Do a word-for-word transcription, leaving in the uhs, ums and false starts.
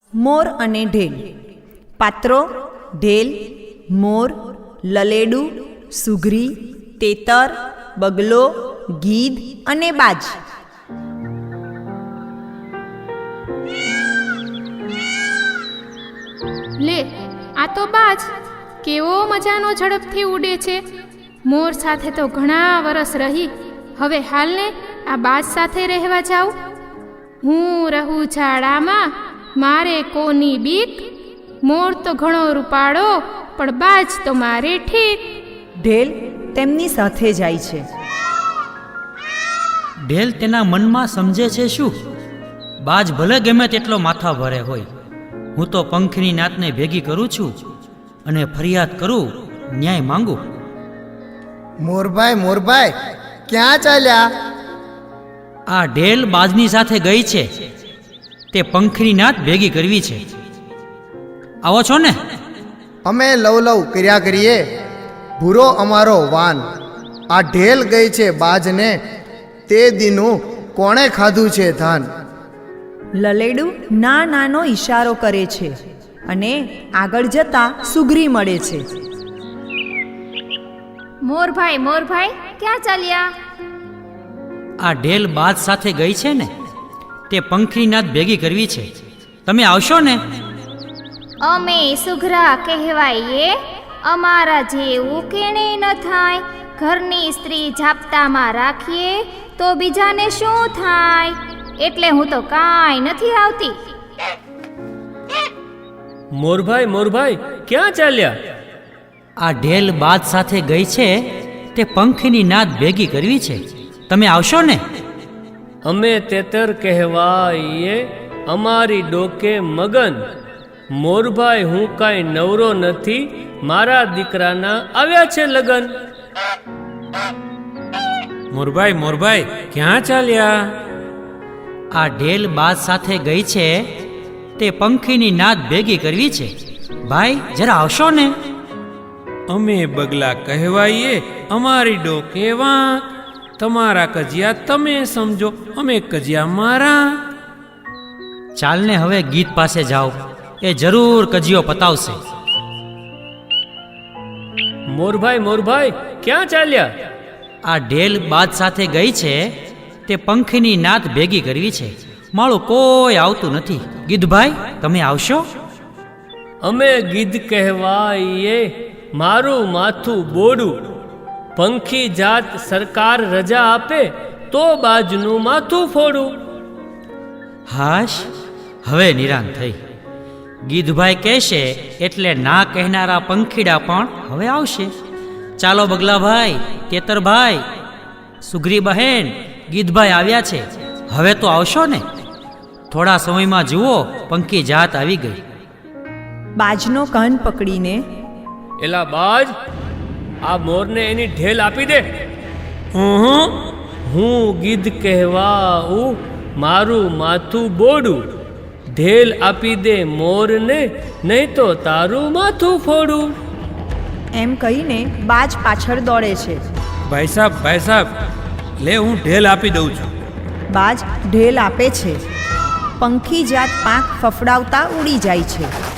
મોર અને ઢેલ. પાત્રો: ઢેલ, મોર, લલેડું, સુઘરી, તેતર, બગલો, ગીધ અને બાજ. લે, આ તો બાજ કેવો મજાનો ઝડપથી ઉડે છે. મોર સાથે તો ઘણા વરસ રહી, હવે હાલને આ બાજ સાથે રહેવા જાઉં. હું રહું ઝાડામાં, મારે કોની બીક. મોર તો ઘણો રૂપાળો, પણ બાજ તો મારે ઠીક. ઢેલ તેમની સાથે જાય છે. ઢેલ તેના મનમાં સમજે છે શું? બાજ ભલે ગમે તેટલો માથા ભરે હોય, હું તો પંખની નાતને ભેગી કરું છું અને ફરિયાદ કરું, ન્યાય માંગુ. મોરભાઈ મોરભાઈ ક્યાં ચાલ્યા? આ ઢેલ બાજની સાથે ગઈ છે, તે પંખની નાત ભેગી કરવી છે. આવો છો ને? અમે લવ લવ કર્યા કરીએ, ભૂરો અમારો વાન. આ ઢેલ ગઈ છે બાજને, તે દીનું કોણે ખાધું છે ધાન. લલેડું ના નાનો ઈશારો કરે છે અને આગળ જતા સુઘરી મળે છે. મોરભાઈ મોરભાઈ ક્યાં ચાલ્યા? આ ઢેલ બાજ સાથે ગઈ છે ને, તે પંખની નાત ભેગી કરવી છે. તમે આવશો ને? અમે સુઘરા કહેવાઈએ, અમારા જેવું કેણે ન થાય. ઘરની સ્ત્રી જાપ્તામાં રાખીએ તો બીજાને શું થાય? એટલે હું તો કાંઈ નથી આવતી. મોરભાઈ મોરભાઈ ક્યાં ચાલ્યા? આ ઢેલ બાજ સાથે ગઈ છે, તે પંખની નાત ભેગી કરવી છે. તમે આવશો ને? અમે તેતર કહેવાઈએ, અમારી ડોકે મગન. મોરભાઈ હું કાંઈ નવરો નથી, મારા દીકરાના આવ્યા છે લગન. મોરભાઈ મોરભાઈ ક્યાં ચાલ્યા? આ ઢેલ બાજ સાથે ગઈ છે, તે પંખીની નાદ ભેગી કરવી છે. ભાઈ જરા આવશો ને? અમે બગલા કહેવાઈએ, અમારી ડોકે વાંક. તમારા કજિયા તમે સમજો, અમે કજિયા મારા. ચાલને હવે ગીત પાસે જાઓ, એ જરૂર કજિયો પતાવશે. મોરભાઈ મોરભાઈ ક્યાં ચાલ્યા? આ ઢેલ બાજ સાથે ગઈ છે, તે પંખીની નાદ ભેગી કરવી છે. માળું કોઈ આવતું નથી. ગીધભાઈ તમે આવશો? અમે ગીધ કહેવાઈએ, મારું માથું બોડું. પંખી જાત સરકાર રજા આપે તો બાજનું માથું ફોડું. હાશ, હવે નિરાંત થઈ. ગીધભાઈ કહેશે એટલે ના કહેનારા પંખીડા પણ હવે આવશે. ચાલો બગલાભાઈ, તેતરભાઈ, સુઘરી બહેન, ગીધભાઈ આવ્યા છે, હવે તો આવશો ને? થોડા સમયમાં જુઓ, પંખી જાત આવી ગઈ. બાજનો કાન પકડીને, એલા બાજ, આ મોરને એની ઢેલ આપી દે. ઉહું. હું ગીધ કહેવાઉં, મારું માથું બોડું. ઢેલ આપી દે મોરને, નહીં તો તારું માથું ફોડું. એમ કહીને બાજ પાછળ દોડે છે. ભાઈ સાહેબ ભાઈ સાહેબ લે, હું ઢેલ આપી દઉં છું. બાજ ઢેલ આપે છે. પંખી જાત પાંખ ફફડાવતા ઉડી જાય છે.